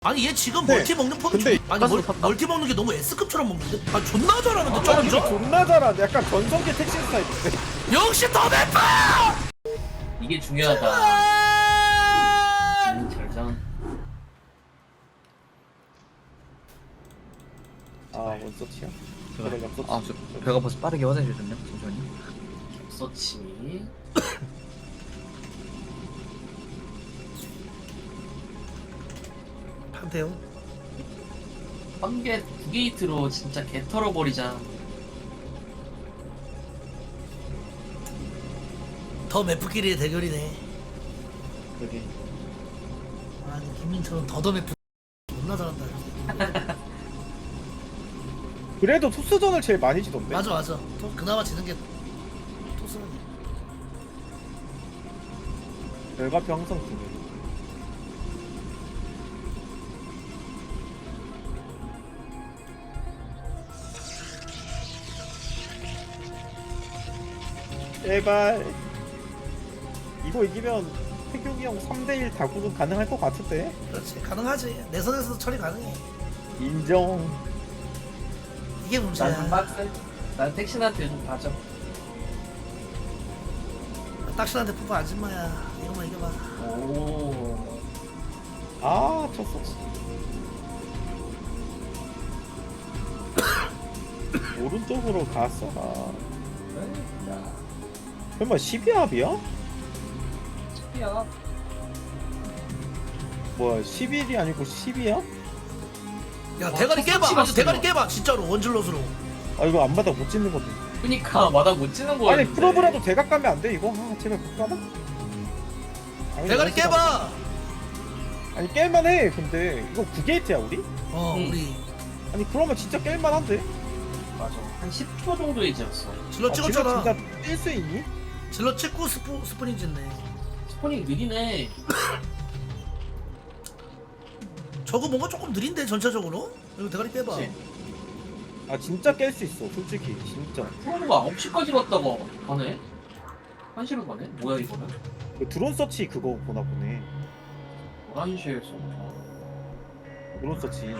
아니 얘 지금 네. 멀티 먹는 폼이 근데 아니 멀티 먹는 게 너무 S급처럼 먹는데? 아 존나 잘하는데 점점? 존나 잘하는데 약간 전성기 택시 스타일인데. 역시 더 맵다! 이게 중요하다. 절전. 아 원서치야? 그래 엽서치. 아, 저 배가 벌써 빠르게 화장실 줬네. 잠시만요. 서치. 판테온? 번개 9게이트로 진짜 개 털어버리자. 더 맵프끼리의 대결이네. 그게. 아니 김민철은 더 맵프 존나 잘한다. 그래도 토스전을 제일 많이 지던데. 맞아 맞아. 또 그나마 지는 게 토스는. 결과표 항상 중요해. 제발 이거 이기면 태경이 형 3대1 다구는 가능할 것 같은데? 그렇지 가능하지. 내 선에서도 처리 가능해. 인정. 이게 난 문제야. 빡세. 난 택신한테 좀 봐줘. 딱신한테 푸파 아줌마야. 이거만 이겨봐. 오. 아 쳤어. 오른쪽으로 갔어. 야. 설마 12합이야? 야. 뭐야 11이 아니고 10이야? 야 대가리 깨봐. 아주 대가리 깨봐. 진짜로 원질럿으로. 아 이거 안 받아 못 찍는 건데. 그니까 마다 못 치는 거야. 아니 프로브라도 대각 가면 안 돼 이거? 아 제발 못 가나? 아니, 대가리 이거 깨봐. 아니 깰만해. 근데 이거 9게이트야 우리? 우리 아니 그러면 진짜 깰만한데? 맞아. 한 10초 정도의 지었어. 질럿 아, 찍었잖아. 진짜 뛸 수 있니? 질럿 찍고 스프링 짓네. 스포닝 느리네. 저거 뭔가 조금 느린데 전체적으로? 이거 대가리 빼봐. 그치? 아 진짜 깰 수 있어 솔직히 진짜. 프로가 9시까지 갔다가 가네? 1시로 가네? 뭐야 이거는? 그 드론 서치 그거 보나 보네. 11시에서 드론 서치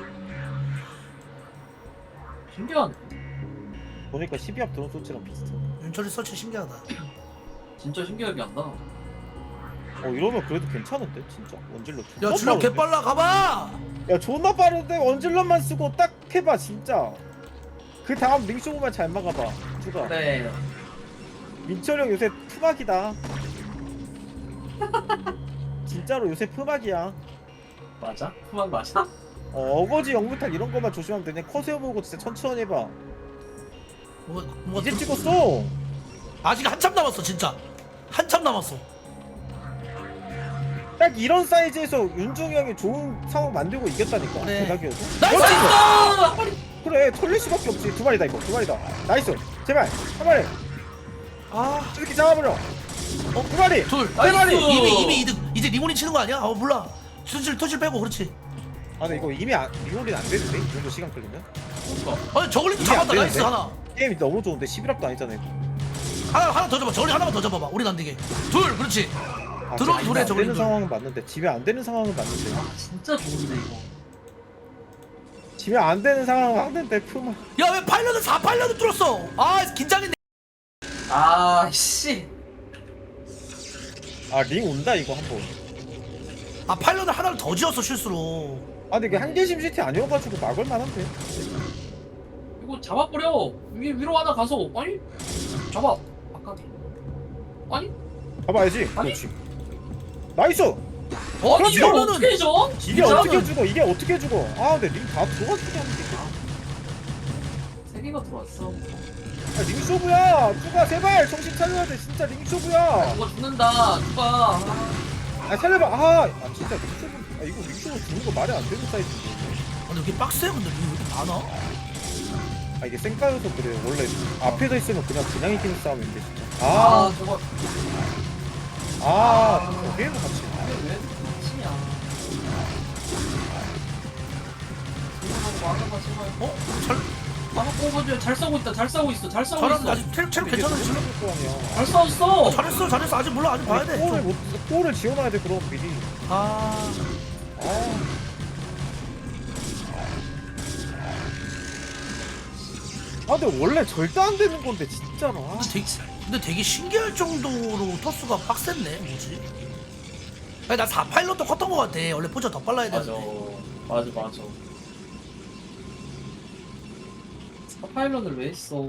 신기하네. 보니까 12합 드론 서치랑 비슷해. 윤철이 서치 신기하다. 진짜 신기하게 한다. 이러면 그래도 괜찮은데 진짜 원질러. 야 질럿 개빨라 가봐. 야 존나 빠른데 원질러만 쓰고 딱 해봐 진짜. 그 다음 링쇼만 잘 막아봐 주가. 네. 민철 형 요새 푸막이다. 진짜로 요새 푸막이야. 맞아? 후방 맞아? 어거지 영무탈 이런 거만 조심하면 되냐. 커세어 보고 진짜 천천히 해봐. 뭐가 이제 찍었어. 아직 한참 남았어 진짜. 한참 남았어. 딱 이런 사이즈에서 윤중이 형이 좋은 상황 만들고 이겼다니까. 그래. 대박이어서. 나이스! 그래 털레시밖에 없지. 두 마리다 이거. 두 마리다. 나이스. 제발 한 마리. 아, 이렇게 잡아버려. 두 마리. 둘. 세 마리. 이미 이득. 이제 리모니 치는 거 아니야? 몰라. 토실 빼고 그렇지. 아 근데 이거 이미 리롤이 안 되는데 이 정도 시간 끌리면. 아니 저글링도 이게 안 잡았다. 나이스 되는데? 하나. 게임이 너무 좋은데 11합도 아니잖아 이거. 하나 더 잡아. 저글링 하나만 더 잡아봐. 우린 안 되게. 둘. 그렇지. 아, 들어오기 집에 전에 안 저걸링 되는 둘. 상황은 맞는데 집에 안 되는 상황은 맞는데 아 진짜 좋은데 이거. 집에 안 되는 상황은 맞는데 푸마. 야 왜 파일럿을 4파일럿을 뚫었어? 아 긴장했네. 아 씨. 아 링 온다 이거 한번. 아 파일럿을 하나를 더 지었어 실수로. 아 근데 이게 한계심 시티 아니어가지고 막을 만한데. 이거 잡아버려. 위로 하나 가서 아니 잡아. 아까게. 아니? 봐봐야지. 아니. 그렇지. 나이스. 그렇지, 이걸 이거는- 어떻게 해줘? 이게 어떻게 죽어? 이게 어떻게 죽어? 아 근데 링 다 들어갔으게 하는데. 세 개가 들어왔어. 아, 링쇼부야. 누가 제발 정신 차려야 돼. 진짜 링쇼부야. 이거 죽는다. 누가? 아 살려봐. 아 진짜 링쇼부. 아 이거 링쇼부 죽는 거 말이 안 되는 사이즈인데. 근데 이게 빡세 근데 왜 이렇게 많아? 아 이게 쌩까여서 그래. 원래 앞에서 있으면 그냥 이기는 싸움인데 진짜. 아 저거 게임을 같이. 이게 왜 치냐? 이거 막아봐 제발. 어? 잘 막아보고 잘 싸우고 있다. 잘 싸우고 있어. 잘 싸우고 잘한다. 있어. 아직 체력 괜찮은데. 거 아니야. 잘 싸웠어. 잘했어. 아직 몰라. 아직 봐야 돼. 골을 못 골을 지어놔야 돼 그럼 미리. 아. 아 아 근데 원래 절대 안 되는 건데 진짜로. 아, 근데 되게 신기할 정도로 토스가 빡셌네. 뭐지? 아니 나 4파일럿도 컸던 것 같아. 원래 포자 더 빨라야 맞아. 되는데. 맞아. 파일럿을 왜 했어?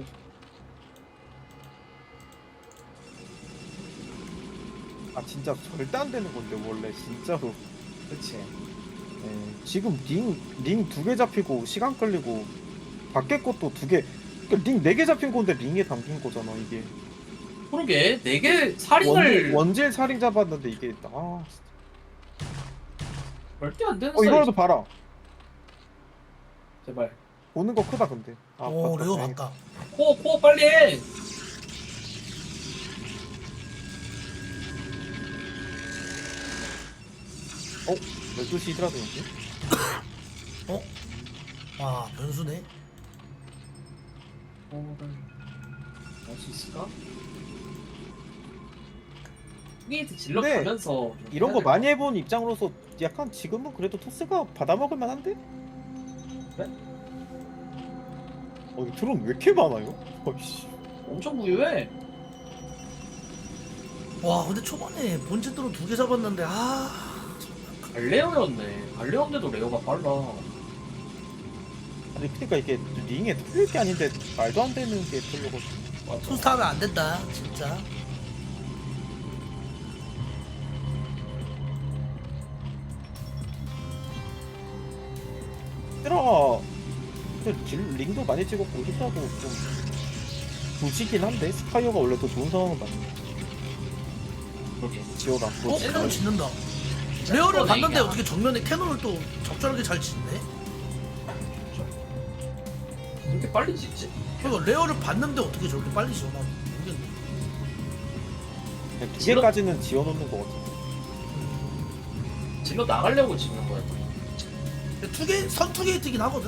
아 진짜 절대 안 되는 건데 원래 진짜로. 그치. 예, 지금 링 2개 잡히고 시간 끌리고 밖에 것도 2개. 그러니까 링 4개 잡힌 건데 링에 담긴 거잖아 이게. 그러게 4개 살인을 원질 살인 잡았는데 이게 아 절대 안 되는 이거라도 봐라. 제발. 보는 거 크다 근데. 아, 오 봤다, 레오 다행이다. 봤다. 코어 빨리 해. 어? 12시 히드라도 여기? 어? 와 변수네. 할수 있을까? 게이트 질러 근데 가면서 좀 이런 해야 거 될 많이 해본 입장으로서 약간 지금은 그래도 토스가 받아먹을 만한데? 그래? 이 드론 왜 이렇게 많아요? 어이씨. 엄청 부유해. 와 근데 초반에 본진으로 2개 잡았는데 갈레오였네. 갈레오인데도 레오가 빨라. 아니 그러니까 이게 링에 털릴 게 아닌데 말도 안 되는 게 털려가지고. 맞아. 투스타하면 안 된다 진짜. 히드라 링도 많이 찍었고 히드라도 좀 부지긴 한데 스파이어가 원래 더 좋은 상황은 맞네. 그렇게. 지어다. 캐논 짓는다. 레어를 어, 봤는데 얘기야. 어떻게 정면에 캐논을 또 적절하게 잘 짓네? 이렇게 빨리 짓지? 그러니까 레어를 봤는데 어떻게 저렇게 빨리 지어나 모르겠네. 2개까지는 지어놓는 거 같아. 질러 나가려고 짓는 거야. 근데 선투게이트긴 하거든?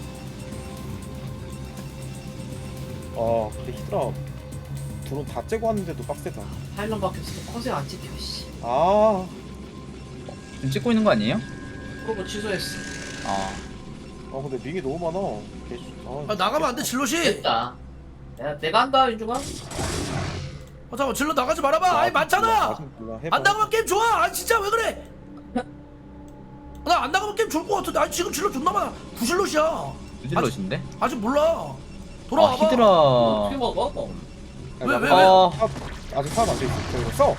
아 근데 히드라 드론 다 째고 왔는데도 빡세다. 파일럿 박혔을 때 컷에 안 찍혀, 씨. 아 지금 찍고 있는 거 아니에요? 그거 취소했어. 근데 링이 너무 많아. 나가면 안 돼 질럿이. 됐다. 내가 한다, 윤중아. 잠깐만 질럿 나가지 말아봐. 아니 많잖아. 안 나가면 게임 좋아. 아니 진짜 왜 그래? 나 안 나가면 게임 좋을 것 같은데. 아니 지금 질럿 존나 많아. 부질럿이야. 유질럿인데? 아직 몰라. 돌아와봐. 히드라. 어떻게 먹어? 왜? 아직 사람 안 돼 있어. 이거 써.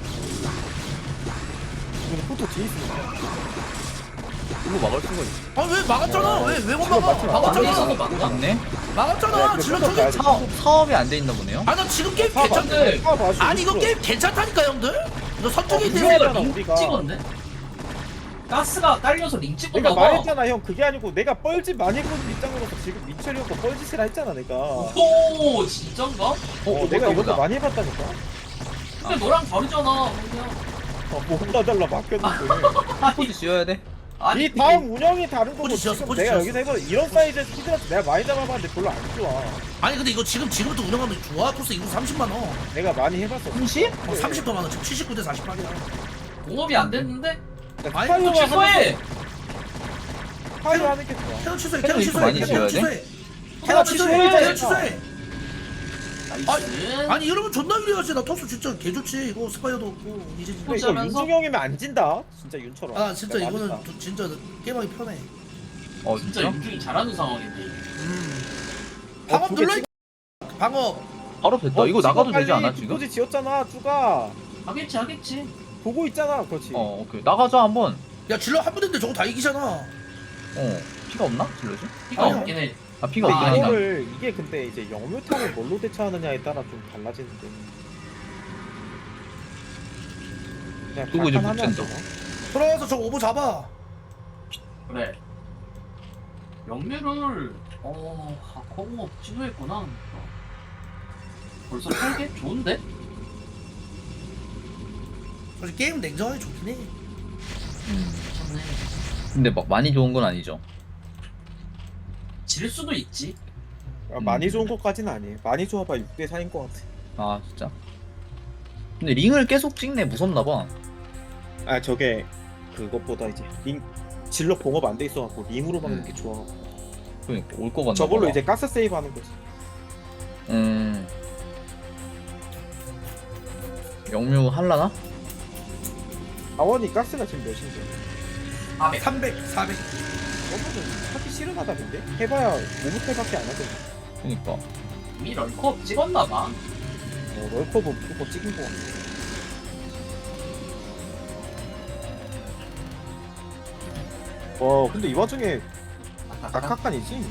이거 포토 뒤에 있으니까. 이거 막을 수가 있어. 아니 왜 막았잖아. 왜 못 질럿 막아? 맞지 마. 막았잖아. 막아? 맞네? 막았잖아. 질럿 저기. 사업이 안 돼 있나 보네요? 아 나 지금 게임 사 괜찮. 괜찮네. 아니 이거 게임 괜찮다니까 형들. 너 선투게이트 그거야. 해서 우리가 링 우리가. 찍었네? 가스가 딸려서 링 찍었나 내가 봐. 말했잖아 형. 그게 아니고 내가 뻘짓 많이 보는 입장으로서 지금 민철이 형거 뻘짓이라 했잖아 내가. 오, 진짠가? 내가 이것도 보다. 많이 해봤다니까. 근데 너랑 다르잖아, 그냥. 뭐가 달라 맡겼는데. 포즈 지어야 돼? 아니, 이 다음 운영이 다른 거고 포지 지었어, 지금 포지 내가 지었어. 여기서 해봐. 이런 사이즈에서 히드라스 내가 많이 잡아봤는데 별로 안 좋아. 아니 근데 이거 지금부터 운영하면 좋아. 토스 이거 30만 원. 내가 많이 해봤어. 30? 30더 많아. 지금 79대 48이야. 공업이 안 됐는데? 아니, 또 취소해! 파이어 하는 게 좋아. 캐논 취소해. 캐논 캐논 이거 취소해. 많이 캐논 지어야 취소해. 하나 캐논 취소해. 취소해. 캐논 취소해. 나이스. 아니 이러면 존나 유리하지. 나 토스 진짜 개좋지. 이거 스파이어도 없고 이제 근데 포지 이거 하면서? 윤중형이면 안 진다. 진짜 윤처럼. 아 진짜 내가 이거는 맞았다. 진짜 게임하기 편해. 진짜 진짜? 윤중이 잘하는 상황인데. 방업 두 개 눌러. 방업. 바로 됐다. 이거 나가도 되지 않아 지금? 포지 지었잖아. 쭈가 하겠지. 보고 있잖아. 그렇지. 오케이. 나가자 한번. 야 질러 한 분인데 저거 다 이기잖아. 피가 없나? 질럿이? 피가 아니야. 없긴 해. 피가 근데 없긴 하니까. 이거를 이게 근데 이제 영묘탕을 뭘로 대처하느냐에 따라 좀 달라지는데. 그냥 그리고 이제 각한 하면 못 안 잰다. 되나? 들어와서 저거 오버 잡아. 그래. 영매를 커버 취소했구나. 벌써 8개? 좋은데? 솔직히 게임 냉정하게 좋긴 해. 좋네. 근데 막 많이 좋은 건 아니죠. 질 수도 있지. 많이 좋은 것까지는 아니에요. 많이 좋아봐 6대 4인 것 같아. 진짜? 근데 링을 계속 찍네. 무섭나 봐. 아 저게 그것보다 이제 링 질러 공업 안 돼 있어갖고 링으로 막는 게 좋아. 그러니까 올 거 같나 저걸로 봐. 이제 가스 세이브 하는 거지. 영묘 할라나? 아원이 가스가 지금 몇인데? 300, 400. 어머는 하기 싫은하다 근데? 해봐야 5무탈밖에 안 하거든. 그니까. 이미 럴컵 찍었나봐. 럴커브 그거 찍은 거 같아. 와 근데 이 와중에 낙하칸이지?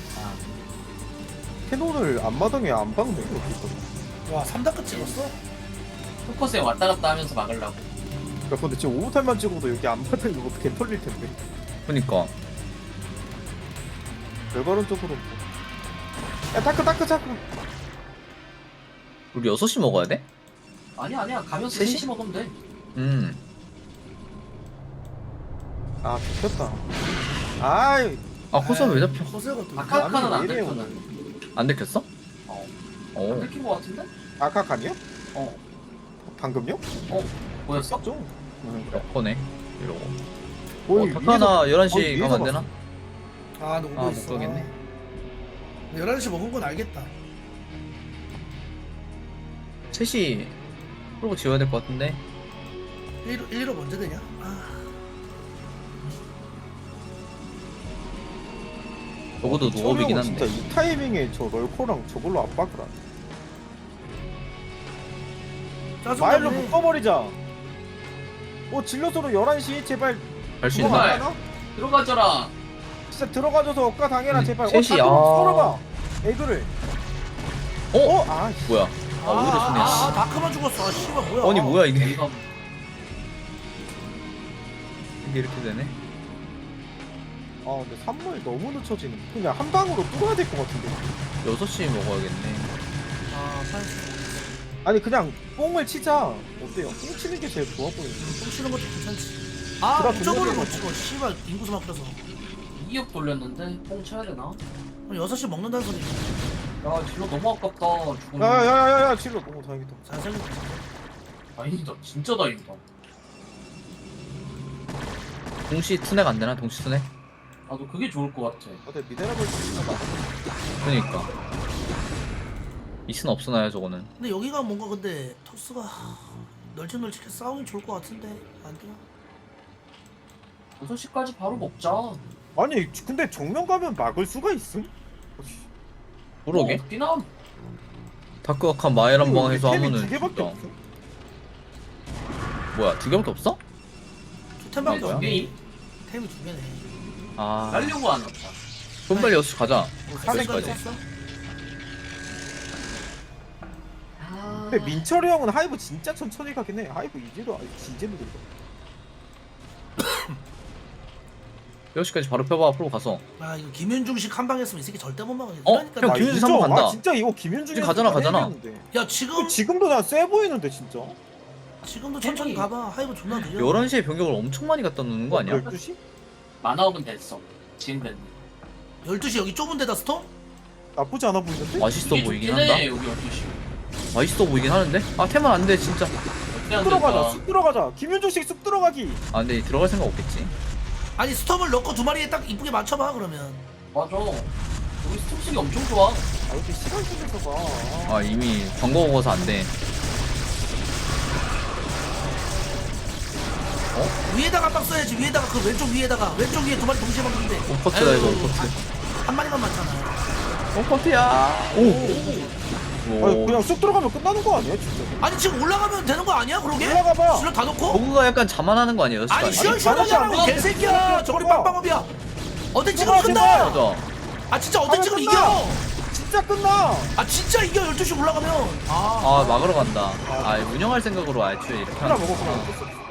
캐논을 앞마당에 안 박네 이렇게 있거든. 와 3단급 찍었어? 포커스에 왔다 갔다 하면서 막으려고. 야 근데 지금 5무탈만 찍어도 여기 앞마당 이거 개 털릴 텐데. 그니까. 별거른 쪽으로. 야 타크. 우리 6시 먹어야 돼? 아니야. 가면서 셋이? 3시 먹으면 돼. 아 잡혔다. 아이 아, 호선 왜 잡혀? 허세가 또. 아카카는 안 왜 이래요, 됐거든. 안 들켰어? 어. 어. 안 들킨 거 같은데? 아카칸이요? 어. 방금요? 보였어? 좀. 럭커네. 이러고. 거의 타카나 위에서- 11시 위에서 가면 안 되나? 아, 너 오고 아, 있어. 못 가겠네. 11시 먹은 건 알겠다. 3시 프로브 지워야 될 것 같은데. 1로 먼저 되냐? 아, 적어도 노업이긴 한데. 진짜 이 타이밍에 저 럴코랑 저걸로 압박을 하네. 마일로 짜증나네. 묶어버리자. 질럿으로 11시 제발. 갈 수 그거 있나? 있나? 안 하나? 들어가져라. 진짜 들어가줘서 억까 당해라 제발. 셋이, 다크로 썰어봐. 애들을. 아 씨. 뭐야? 오히려 쓰네. 씨. 다크만 죽었어. 아, 씨발 뭐야? 아니 뭐야 이게? 이거 이게 이렇게 되네? 근데 산물 너무 늦춰지는. 그냥 한 방으로 뚫어야 될 것 같은데. 6시 먹어야겠네. 아, 판시. 아니 그냥 뽕을 치자. 어때요? 뽕 치는 게 제일 좋아 보이는데. 좀 치는 것도 괜찮지. 아, 그래, 이쪽으로 근데 못 찍어. 씨발 인구수 막혀서. 2억 돌렸는데 뽕 쳐야 되나? 그럼 6시 먹는다는 소리. 야 딜러 너무 아깝다. 죽은 야야야야야 질러. 다행이다. 잘 살리고. 다행이다. 진짜 다행이다. 동시 투넥 안 되나? 동시 투넥? 나도 그게 좋을 것 같아. 근데 미네랄을 치나 봐. 그러니까. 이스는 없으나요 저거는? 근데 여기가 뭔가 근데 토스가 널찍널찍해 싸움이 좋을 것 같은데 안 되나? 6시까지 바로 먹자. 아니 근데 정면 가면 막을 수가 있음? 그러게. 뛰나? 다크아칸 마엘 한 번 해서 템이 하면은 두 개밖에 진짜. 없어. 뭐야 2개밖에 없어? 두 템밖에 뭐야? 없네. 게임 템이 두 개네. 아 날려고 안 왔다. 좀 빨리 6시 가자. 뭐 사백 400까지 가지. 했어? 근데 민철이 형은 하이브 진짜 천천히 가긴 해. 하이브 이제도 진짜 느린다. 6시까지 바로 펴봐 프로 가서. 아 이거 김윤중식 한 방 했으면 이 새끼 절대 못 막아. 어? 그러니까 형, 나- 김윤중 한번 간다. 진짜 이거 김윤중이 지금 가잖아. 야 지금 지금도 난 세 보이는데 진짜. 지금도 천천히 템이- 가봐. 하이브 존나 느려. 11시에 병력을 엄청 많이 갖다 놓는 거 아니야? 12시? 만화업은 됐어. 지금 됐네. 12시 여기 좁은 데다 스톰? 나쁘지 않아 보이는데? 맛있어 이게 보이긴 좋긴 한다. 해, 여기 12시. 맛있어 보이긴 하는데? 아 템은 안 돼 진짜. 어떻게 안 쑥 들어가자. 될까? 쑥 들어가자. 김윤중식 쑥 들어가기. 아 근데 들어갈 생각 없겠지. 아니 스톰을 넣고 두 마리에 딱 이쁘게 맞춰봐 그러면. 맞아. 여기 스톱식이 엄청 좋아. 이렇게 시간 쓰면서 봐. 아 이미 광고 먹어서 안 돼. 위에다가 한 방 써야지. 위에다가 그 왼쪽 위에 두 마리 동시에 막는데 오퍼트다 이거 오퍼트. 한 마리만 맞잖아. 오퍼트야. 오. 아니 그냥 쑥 들어가면 끝나는 거 아니야 진짜? 아니 지금 올라가면 되는 거 아니야 그러게? 올라가봐. 실력 다 넣고? 버그가 약간 자만하는 거 아니에요? 아니 시간이? 시원시원하냐고 아니, 개새끼야. 저거리 봐봐. 빵빵업이야. 어때 지금 봐봐, 끝나? 제발. 맞아. 아 진짜 어때 하면 지금 끝나. 이겨? 진짜 끝나. 아 진짜 이겨 12시 올라가면. 아 막으러 간다. 아 운영할 생각으로 애초에 이렇게 하나 하는 먹어 거구나. 그냥.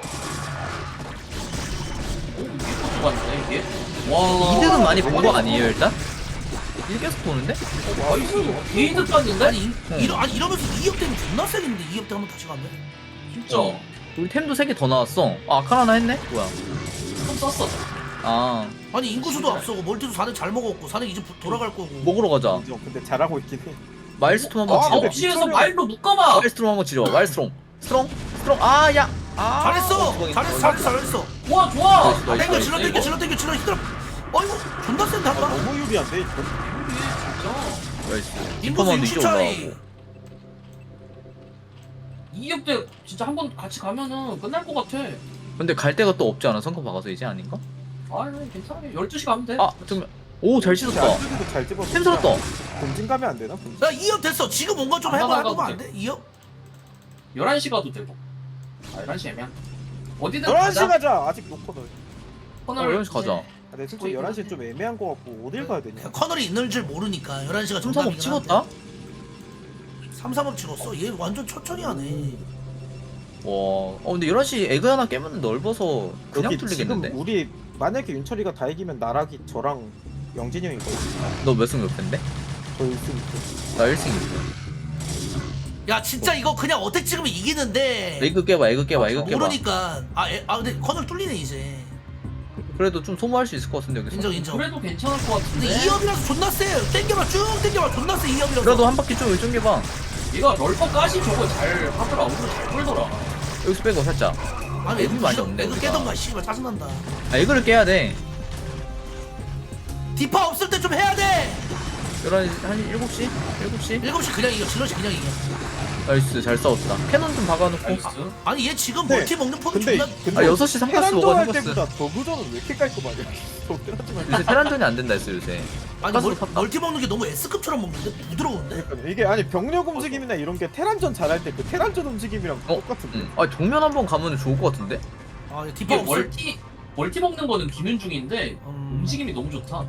좋았네, 이게. 와. 이득은 많이 본 거 아니에요 일단? 일 계속 보는데? 게이드 땄는데? 아니 응. 아니 이러면서 2억 되면 존나 세겠는데 2억 대 한번 다시 가면. 진짜. 우리 템도 3개 더 나왔어. 아 아칸 하나 했네? 뭐야? 좀 썼어. 아 아니 인구수도 앞서고 멀티도 4넥 잘 먹었고 4넥 이제 돌아갈 거고. 먹으러 가자. 인정. 근데 잘하고 있긴 해. 마일스톰 한번 아, 지려. 근데 없이에서 미쳐요. 마일로 묶어봐. 마일스톰 한번 지려. 마일스톰. 스트롱? 스트롱. 아 야. 아. 잘했어. 주방이다. 잘했어. 좋아, 좋아. 나이스, 나이스. 땡겨 질러 힘들어. 어이구 존나 센데 한 방. 너무 유리한데 이거. 진짜. 나이스. 인구수 슈퍼만도 60 이쪽 차이. 올라가고. 2업 때 진짜 한 번 같이 가면은 끝날 것 같아. 근데 갈 데가 또 없지 않아? 성큼 박아서 이제 아닌가? 아 괜찮아. 12시 가면 돼. 아 좀. 오잘 씻었다. 안쪽에도 잘 집었어. 템 살았다. 본진 가면 안 되나? 본진. 나 2업 됐어. 지금 뭔가 좀 안 해봐. 나가도 해보면 안 돼. 돼? 2업? 11시 가도 되고. 아 11시 애매한. 어디든 11시 가자. 가자. 아직 놓거든. 코너를 11시 가자. 아, 내 솔직히 11시 좀 애매한 거 같고 어딜 가야 되냐? 커널이 있는 줄 모르니까 11시가 3-3업 찍었다? 3-3업 찍었어? 얘 완전 천천히 하네. 와. 근데 11시 에그 하나 깨면 넓어서 그냥 여기 뚫리겠는데? 지금 우리 만약에 윤철이가 다 이기면 나락이 저랑 영진이 형이 거든. 너 몇 승 몇 패인데? 저 1승. 나 1승 1패. 야 진짜 이거 그냥 어택 찍으면 이기는데 에그 깨봐 에그 깨봐 에그 깨봐. 모르니까 근데 커널 뚫리네 이제. 그래도 좀 소모할 수 있을 것 같은데 여기서. 인정 인정. 그래도 괜찮을 것 근데 같은데. 2업이라서 존나 세. 땡겨봐 쭉 땡겨봐 존나 세 2업이라서. 그래도 한 바퀴 좀 쫑겨봐. 얘가 럴퍼까지 저거 잘 하더라. 오늘 잘 끌더라. 여기서 빼고 살짝. 아니 애들 많이 없네, 애들 우리가. 깨던가 씨발 짜증난다. 아 에그를 깨야 돼. 디파 없을 때 좀 해야 돼. 11시 한 7시? 7시? 7시 그냥 이겨. 질럿이 그냥 이겨. 나이스 잘 싸웠다. 캐논 좀 박아놓고. 나이스. 아니 얘 지금 네. 멀티 먹는 폼이 근데 존나. 아 6시 3가스 테란전 먹어 할 3가스. 때보다 저구전은 왜 이렇게 깔끔하냐? 요새 테란전이 안 된다 했어 요새. 아니 가스로 팠다. 멀티 먹는 게 너무 S급처럼 먹는데 부드러운데? 그러니까 이게 아니 병력 움직임이나 이런 게 테란전 잘할 때 그 테란전 움직임이랑 똑같은데. 아 정면 한번 가면 좋을 것 같은데? 아 디파 이게 없을. 멀티 먹는 거는 김윤중인데 음. 움직임이 너무 좋다.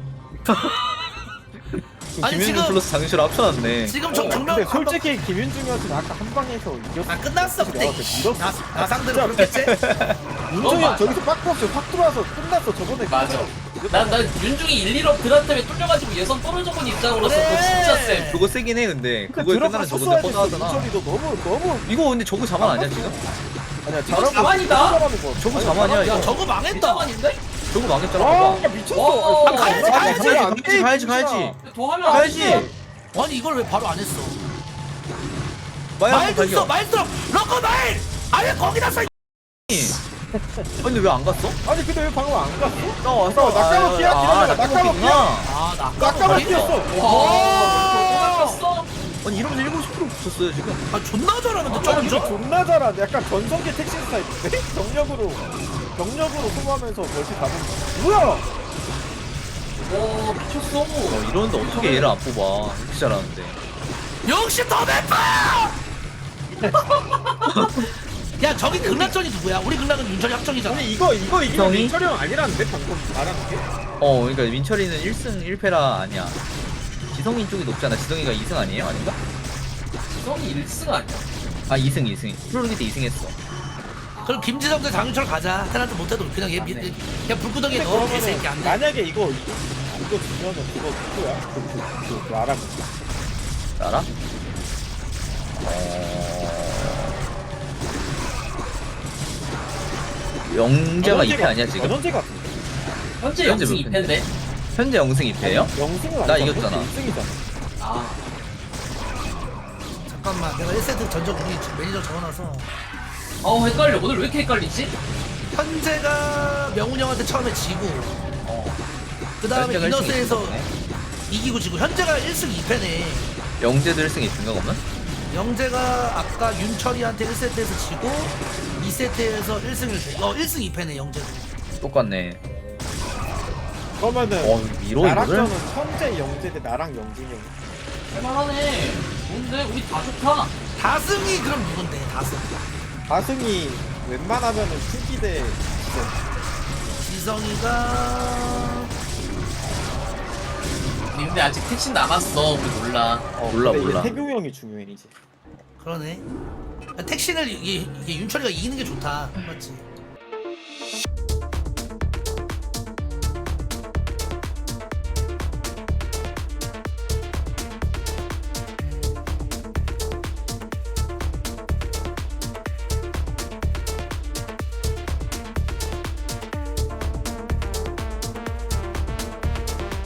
아니, 김윤중 지금- 플러스 장시를 합쳐놨네. 지금 근데 정면 솔직히 김윤중이었으면 아까 한 방에서 이겼어. 끝났어 그때. 내가 그때 밀었어. 나 상대로 그렇겠지? 윤중이 형 맞아. 저기서 빠꾸 없이 확 들어와서 끝났어. 저번에 맞아. 난 윤중이 1, 2업 드랍 때문에 뚫려가지고 예선 떨어져 본 입장으로서 그래. 그거 진짜 쎄. 그거 세긴 해 근데 그러니까 그거에 들어가 끝나면 섰어야 저건데 됐어. 뻗어하잖아. 윤철이도 너무 이거 근데 저거 자만 아니야 지금? 아니야 이거 잘하고 자만이다. 잘하는 거. 저거 아니, 자만이야, 잘하는 이거. 거. 저거 망했다. 일자만인데? 저거 망했잖아 와 봐봐. 미쳤어. 와, 가야지. 가야지. 더 하면 안 가야지. 돼. 아니 이걸 왜 바로 안 했어? 마야 말도 있어 발견. 말도 럭커 말! 아니 거기다 써. 근데 왜 안 갔어? 아니 근데 왜 방금 안 갔어? 싸워 낙하먹기야, 기다려봐, 낙하먹기야. 아나 낙하만 뛰었어. 와, 또 아니 이러면서 7% 붙였어요 지금. 아 존나 잘하는데 이거 점점. 존나 잘하네. 약간 전성기 택시 스타일인데? 경력으로 소모하면서 멀티 잡은 거. 뭐야? 와, 미쳤어. 이러는데 어떻게 얘를 안 뽑아? 이렇게 잘하는데. 역시 더 맵다! 야 저기 극락전이 누구야? 우리 극락은 윤철이 합정이잖아. 아니 이거 이기면 형이? 민철이 형 아니라는데 방금 말하는 게? 그러니까 민철이는 1승 1패라 아니야. 지성이 쪽이 높잖아. 지성이가 2승 아니에요? 아닌가? 지성이 1승 아니야? 아 2승. 프로리그 때 2승 했어. 그럼 김지성 대 장윤철 가자. 테란트 못해도 그냥 얘 맞네. 그냥 불구덩이에 넣어 개새끼 안 돼. 만약에 이거 주면은 그거 누구야? 그 알아. 알아? 영재가 2패 아니야 지금? 전원재 같은데. 현재 현재 0승 몇 2패인데? 현재 0승 2패예요? 영승은 나 이겼잖아. 1승이잖아. 아, 잠깐만 내가 1세트 전적 우리 매니저 적어놔서 헷갈려. 오늘 왜 이렇게 헷갈리지? 현재가 명훈 형한테 처음에 지고 그 다음에 현재가 이너스에서 1승 2패네. 이기고 지고 현재가 1승 2패네. 영재도 1승 2패인가 그러면? 영재가 아까 윤철이한테 1세트에서 지고 2세트에서 1승 1패 1승 2패네 영재도. 똑같네. 그러면은 이거 이거를? 나락전은 현재 영재 대 나랑 영진이 형. 할만하네. 좋은데? 우리 다 좋다. 다승이 그럼 누군데 다승? 다승이 웬만하면은 투기 대 지성이가 근데 아직 택신 남았어. 우리 몰라. 몰라, 근데 몰라. 이게 태규 형이 중요해 이제. 그러네. 택신을 이게 윤철이가 이기는 게 좋다 맞지?